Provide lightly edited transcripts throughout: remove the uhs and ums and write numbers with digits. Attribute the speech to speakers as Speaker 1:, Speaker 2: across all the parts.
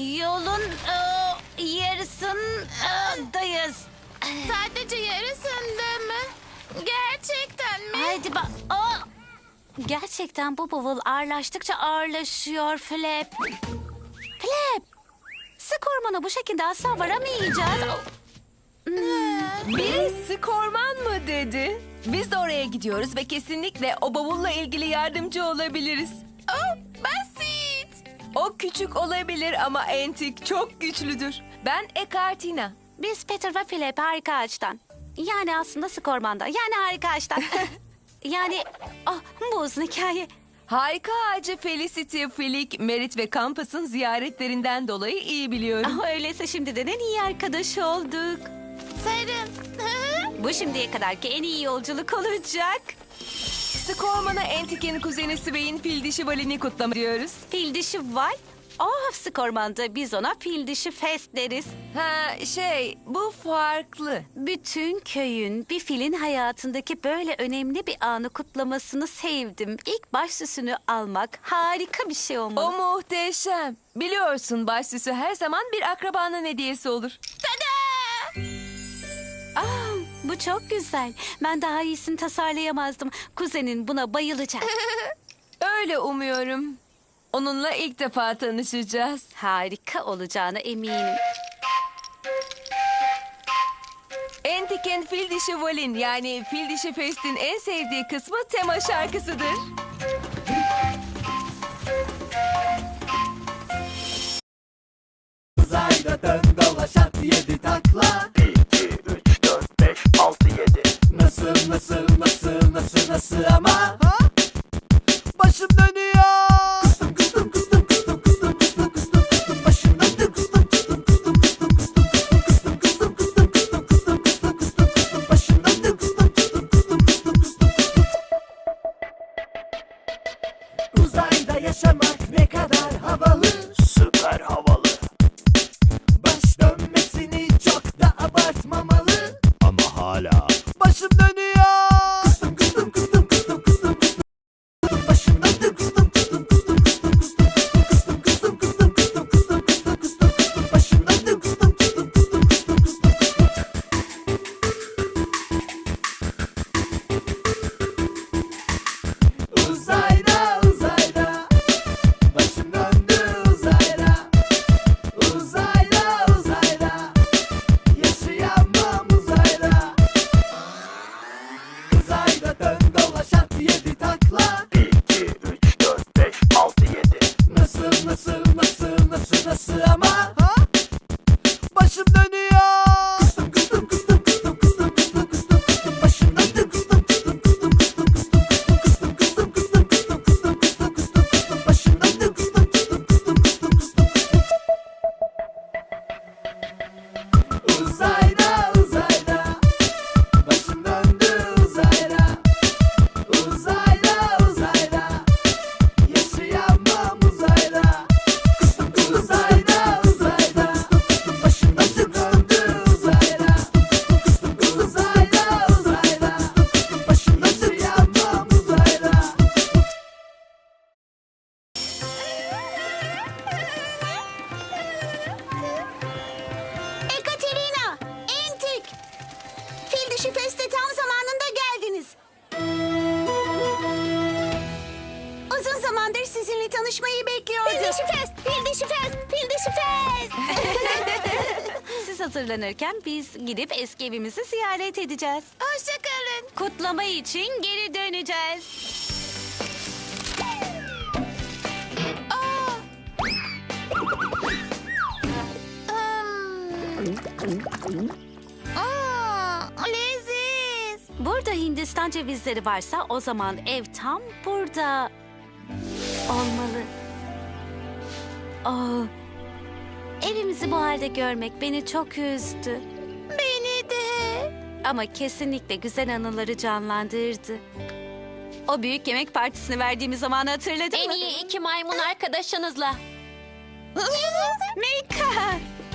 Speaker 1: Yolun yarısındayız.
Speaker 2: Sadece yarısında mı? Gerçekten mi?
Speaker 1: Haydi bak. Gerçekten bu bavul ağırlaştıkça ağırlaşıyor Flap. Flap. Sık ormana bu şekilde asla varamayacağız.
Speaker 3: Biri sık orman mı dedi? Biz de oraya gidiyoruz ve kesinlikle o bavulla ilgili yardımcı olabiliriz.
Speaker 2: Oh, basit.
Speaker 3: O küçük olabilir ama Antik çok güçlüdür. Ben Ekartina.
Speaker 1: Biz Peter ve Flap harika ağaçtan. Yani aslında sık ormanda. Yani harika ağaçtan. Yani bu uzun hikaye.
Speaker 3: Harika ağacı Felicity, Flick, Merit ve Campus'ın ziyaretlerinden dolayı iyi biliyorum.
Speaker 1: Öyleyse şimdiden en iyi arkadaş olduk.
Speaker 2: Sarım.
Speaker 1: Bu şimdiye kadarki en iyi yolculuk olacak.
Speaker 3: Sık ormana Antik'in kuzeni Sway'in fil dişi Valin'i kutlamak diyoruz.
Speaker 1: Fil dişi var. Sık ormanda biz ona fil dişi fest deriz.
Speaker 3: Bu farklı.
Speaker 1: Bütün köyün bir filin hayatındaki böyle önemli bir anı kutlamasını sevdim. İlk baş süsünü almak harika bir şey olmalı.
Speaker 3: O muhteşem. Biliyorsun başsüsü her zaman bir akrabanın hediyesi olur.
Speaker 2: Tada!
Speaker 1: Bu çok güzel. Ben daha iyisini tasarlayamazdım. Kuzenin buna bayılacak.
Speaker 3: Öyle umuyorum. Onunla ilk defa tanışacağız.
Speaker 1: Harika olacağına eminim.
Speaker 3: Antik'in fil dişi Valin yani fil dişi Fest'in en sevdiği kısmı tema şarkısıdır.
Speaker 4: Uzayda dön dolaş at 7 takla.
Speaker 5: 1, 2, 3, 4, 5, 6, 7.
Speaker 4: Nasıl ama başım dönüyor. Kıstım kıstım kıstım kıstım kıstım kıstım kıstım kıstım başım döndü. Kıstım kıstım kıstım kıstım kıstım kıstım kıstım kıstım kıstım kıstım kıstım kıstım kıstım başım döndü. Kıstım kıstım kıstım kıstım kıstım kıstım. Uzayda yaşamak ne kadar havalı.
Speaker 5: Süper havalı
Speaker 4: Baş dönmesini çok da abartmamalı.
Speaker 5: ama hala
Speaker 4: Başım dönüyor. Kıstım kıstım kıstım kıstım kıstım kıstım. Başım döndü. Kıstım kıstım kıstım kıstım kıstım kıstım kıstım kıstım kıstım kıstım kıstım kıstım kıstım başım döndü. Kıstım kıstım kıstım kıstım kıstım kıstım. Uzayda uzayda başım döndü uzayda. Uzayda uzayda yaşayamam uzayda. Uzayda dön dolaş at 7 takla.
Speaker 5: 1, 2, 3, 4, 5, 6, 7.
Speaker 4: Nasıl ama başım dönüyor. Kıstım kıstım kıstım kıstım kıstım kıstım kıstım kıstım başım döndü. Kıstım kıstım kıstım kıstım kıstım kıstım kıstım kıstım kıstım kıstım kıstım kıstım kıstım başım döndü. Kıstım kıstım kıstım kıstım kıstım kıstım. Uzayda uzayda başım döndü uzayda. Uzayda uzayda yaşayamam uzayda. Kıstım kıstım uzayda uzayda başım döndü uzayda. Kıstım kıstım uzayda uzayda başım yaşayamam uzayda.
Speaker 2: Ekaterina, Antik. Fil dişi feste tam zamanında geldiniz. Uzun zamandır sizinle tanışmayı bekliyordum. Fil dişi fest, fil dişi fest, fil dişi fest.
Speaker 1: Siz hazırlanırken biz gidip eski evimizi ziyaret edeceğiz.
Speaker 2: Hoşçakalın.
Speaker 1: Kutlama için geri döneceğiz.
Speaker 2: Leziz.
Speaker 1: Burada Hindistan cevizleri varsa o zaman ev tam burada olmalı. Evimizi bu halde görmek beni çok üzdü.
Speaker 2: Beni de.
Speaker 1: Ama kesinlikle güzel anıları canlandırdı. O büyük yemek partisini verdiğimiz zamanı hatırladın mı?
Speaker 6: En iyi 2 maymun arkadaşınızla.
Speaker 1: Mika!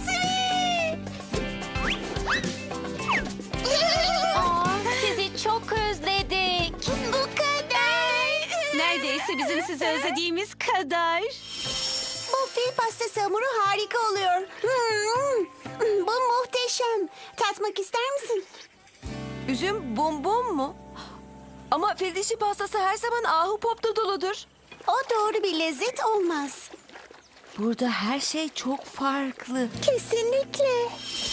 Speaker 6: Sizi çok özledik.
Speaker 2: Bu kadar.
Speaker 1: Neredeyse bizim sizi özlediğimiz kadar.
Speaker 2: Bu fil pastası hamuru harika oluyor. Bu muhteşem. Tatmak ister misin?
Speaker 3: Üzüm bum bum mu? Ama fil dişi pastası her zaman ahu popta doludur.
Speaker 2: O doğru bir lezzet olmaz.
Speaker 3: Burada her şey çok farklı.
Speaker 2: Kesinlikle.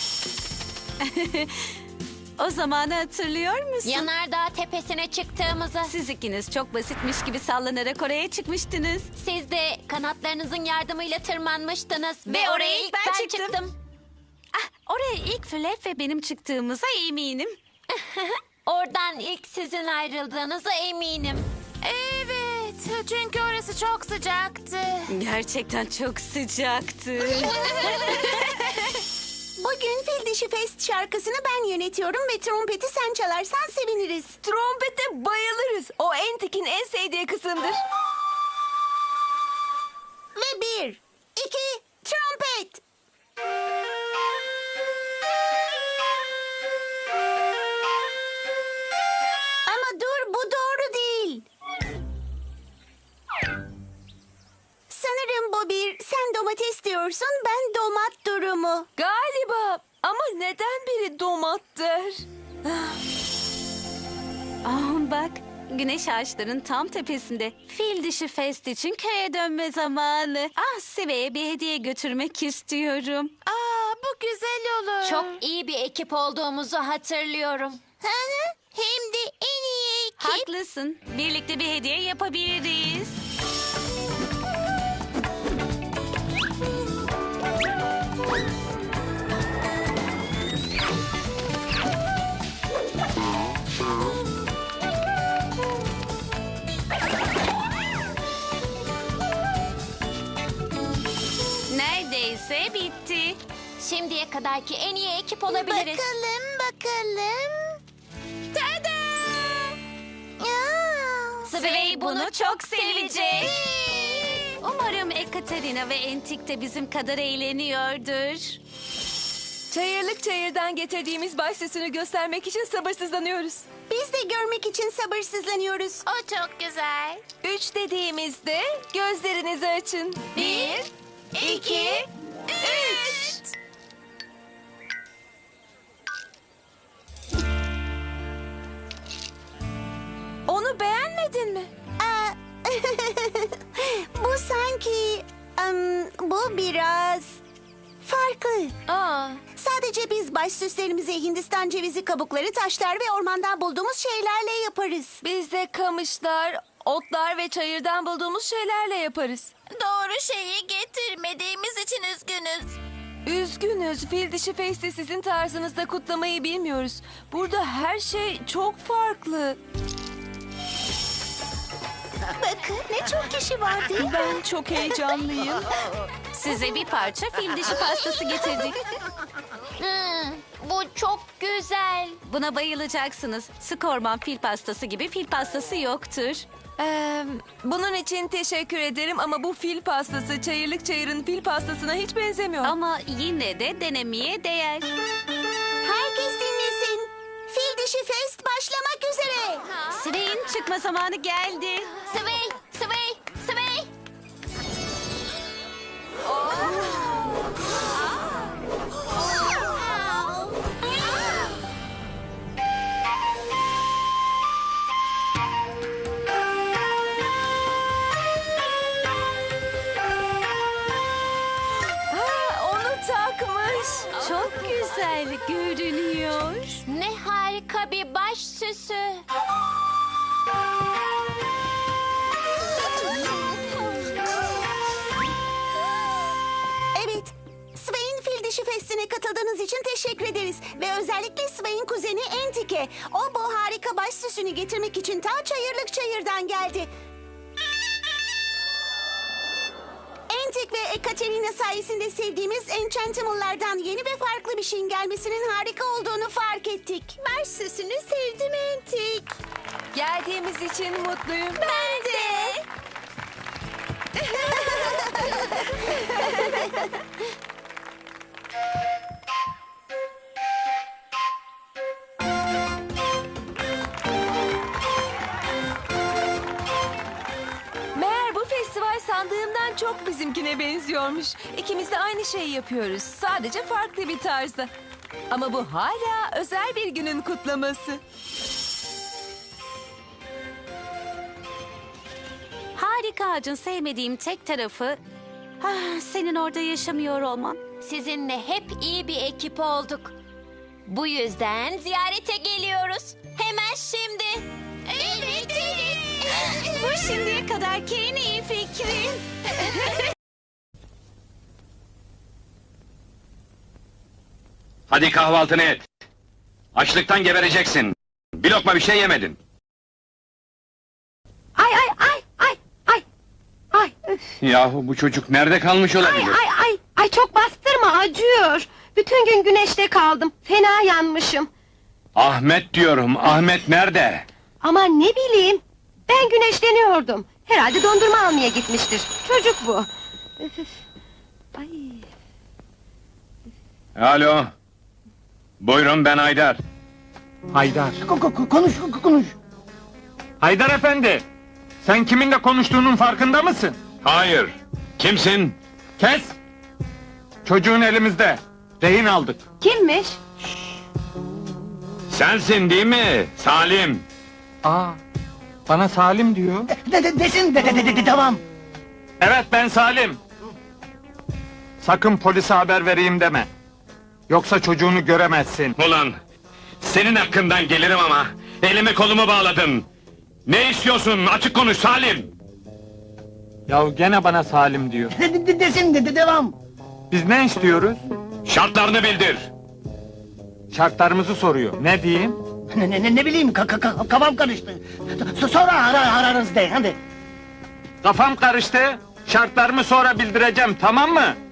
Speaker 1: O zamanı hatırlıyor musun?
Speaker 6: Yanardağ tepesine çıktığımızı.
Speaker 1: Siz ikiniz çok basitmiş gibi sallanarak oraya çıkmıştınız.
Speaker 6: Siz de kanatlarınızın yardımıyla tırmanmıştınız.
Speaker 1: Ve oraya ilk ben çıktım.
Speaker 6: çıktım.
Speaker 1: Oraya ilk Flap ve benim çıktığımıza eminim.
Speaker 6: Oradan ilk sizin ayrıldığınıza eminim.
Speaker 2: Evet, çünkü orası çok sıcaktı.
Speaker 1: Gerçekten çok sıcaktı.
Speaker 2: Bugün Fil Dişi Fest şarkısını ben yönetiyorum ve trompeti sen çalarsan seviniriz.
Speaker 3: Trompete bayılırız. O Entik'in en sevdiği kısımdır.
Speaker 2: Ve 1, 2, trompet. Ama dur, bu doğru değil. Sanırım bu bir sen domates diyorsun, ben domat durumu.
Speaker 3: Galiba. Ama neden biri domattır?
Speaker 1: Bak, güneş ağaçların tam tepesinde. Fil dişi fest için köye dönme zamanı. Sive'ye bir hediye götürmek istiyorum.
Speaker 2: Bu güzel olur.
Speaker 6: Çok iyi bir ekip olduğumuzu hatırlıyorum.
Speaker 2: Hem de en iyi ekip.
Speaker 1: Haklısın. Birlikte bir hediye yapabiliriz. Neredeyse bitti.
Speaker 6: Şimdiye kadarki en iyi ekip olabiliriz.
Speaker 2: Bakalım. Tada!
Speaker 1: Sway bunu çok sevecek. Umarım Ekaterina ve Entik de bizim kadar eğleniyordur.
Speaker 3: Çayırlık çayırdan getirdiğimiz baş süsünü göstermek için sabırsızlanıyoruz.
Speaker 2: Biz de görmek için sabırsızlanıyoruz. O çok güzel.
Speaker 3: 3 dediğimizde gözlerinizi açın. 1, 2, 3. Onu beğenmedin mi?
Speaker 2: Bu sanki... bu biraz... farklı. Sadece biz baş süslerimizi Hindistan cevizi kabukları, taşlar ve ormandan bulduğumuz şeylerle yaparız.
Speaker 3: Biz de kamışlar, otlar ve çayırdan bulduğumuz şeylerle yaparız.
Speaker 2: Doğru şeyi getirmediğimiz için üzgünüz.
Speaker 3: Üzgünüz, Fil Dişi Fest'i sizin tarzınızda kutlamayı bilmiyoruz. Burada her şey çok farklı.
Speaker 2: Bakın ne çok kişi var değil mi?
Speaker 3: Ben çok heyecanlıyım.
Speaker 1: Size bir parça fil dişi pastası getirdik.
Speaker 6: Bu çok güzel.
Speaker 1: Buna bayılacaksınız. Sık orman fil pastası gibi fil pastası yoktur.
Speaker 3: Bunun için teşekkür ederim ama bu fil pastası Çayırlık Çayır'ın fil pastasına hiç benzemiyor.
Speaker 1: Ama yine de denemeye değer.
Speaker 2: Herkes dinlesin. Fil Dişi Fest başlamak üzere.
Speaker 1: Sway'in çıkma zamanı geldi.
Speaker 6: Sway, sway, sway.
Speaker 3: Onu takmış.
Speaker 1: Çok güzel görünüyor.
Speaker 6: Ne harika bir baş süsü.
Speaker 2: Evet. Sway'in Fil Dişi Festi'ne katıldığınız için teşekkür ederiz. Ve özellikle Sway'in kuzeni Entik'e. O bu harika baş süsünü getirmek için ta Çayırlık Çayır'dan geldi. Entik ve Ekaterina sayesinde sevdiğimiz Enchantimal'lardan yeni ve farklı bir şeyin gelmesinin harika olduğunu fark ettik. Baş süsünü sevdim Entik.
Speaker 3: Geldiğimiz için mutluyum.
Speaker 2: Ben de.
Speaker 3: Meğer bu festival sandığımdan çok bizimkine benziyormuş. İkimiz de aynı şeyi yapıyoruz. Sadece farklı bir tarzda. Ama bu hala özel bir günün kutlaması.
Speaker 1: Harika ağacın sevmediğim tek tarafı senin orada yaşamıyor olman.
Speaker 6: Sizinle hep iyi bir ekip olduk. Bu yüzden ziyarete geliyoruz. Hemen şimdi. Evet, evet.
Speaker 1: Bu şimdiye kadarki en iyi fikrin.
Speaker 7: Hadi kahvaltını et. Açlıktan gebereceksin. Bir lokma bir şey yemedin.
Speaker 8: Ay ay ay ay ay ay üf,
Speaker 7: Yahu bu çocuk nerede kalmış
Speaker 8: ay
Speaker 7: olabilir?
Speaker 8: ay ay ay çok bastırma acıyor. Bütün gün güneşte kaldım. Fena yanmışım.
Speaker 7: Ahmet diyorum. Ahmet nerede?
Speaker 8: Ama ne bileyim. Ben güneşleniyordum. Herhalde dondurma almaya gitmiştir. Çocuk bu. Üf, üf. Ay.
Speaker 7: Alo. Buyurun ben Haydar.
Speaker 9: Haydar.
Speaker 4: Konuş.
Speaker 9: Haydar efendi. Sen kiminle konuştuğunun farkında mısın?
Speaker 7: Hayır. Kimsin?
Speaker 9: Kes. Çocuğun elimizde. Rehin aldık.
Speaker 8: Kimmiş?
Speaker 7: Sensin değil mi? Salim.
Speaker 9: Aa. Bana Salim diyor.
Speaker 4: Desin devam.
Speaker 9: Evet ben Salim. Sakın polise haber vereyim deme. Yoksa çocuğunu göremezsin.
Speaker 7: Ulan. Senin hakkından gelirim ama. Elimi kolumu bağladın. Ne istiyorsun? Açık konuş Salim.
Speaker 9: Ya gene bana Salim diyor.
Speaker 4: Desin devam.
Speaker 9: Biz ne istiyoruz?
Speaker 7: Şartlarını bildir.
Speaker 9: Şartlarımızı soruyor. Ne diyeyim?
Speaker 4: Ne bileyim kafam karıştı. Sonra ararız de hadi.
Speaker 9: Kafam karıştı. Şartlarımı sonra bildireceğim, tamam mı?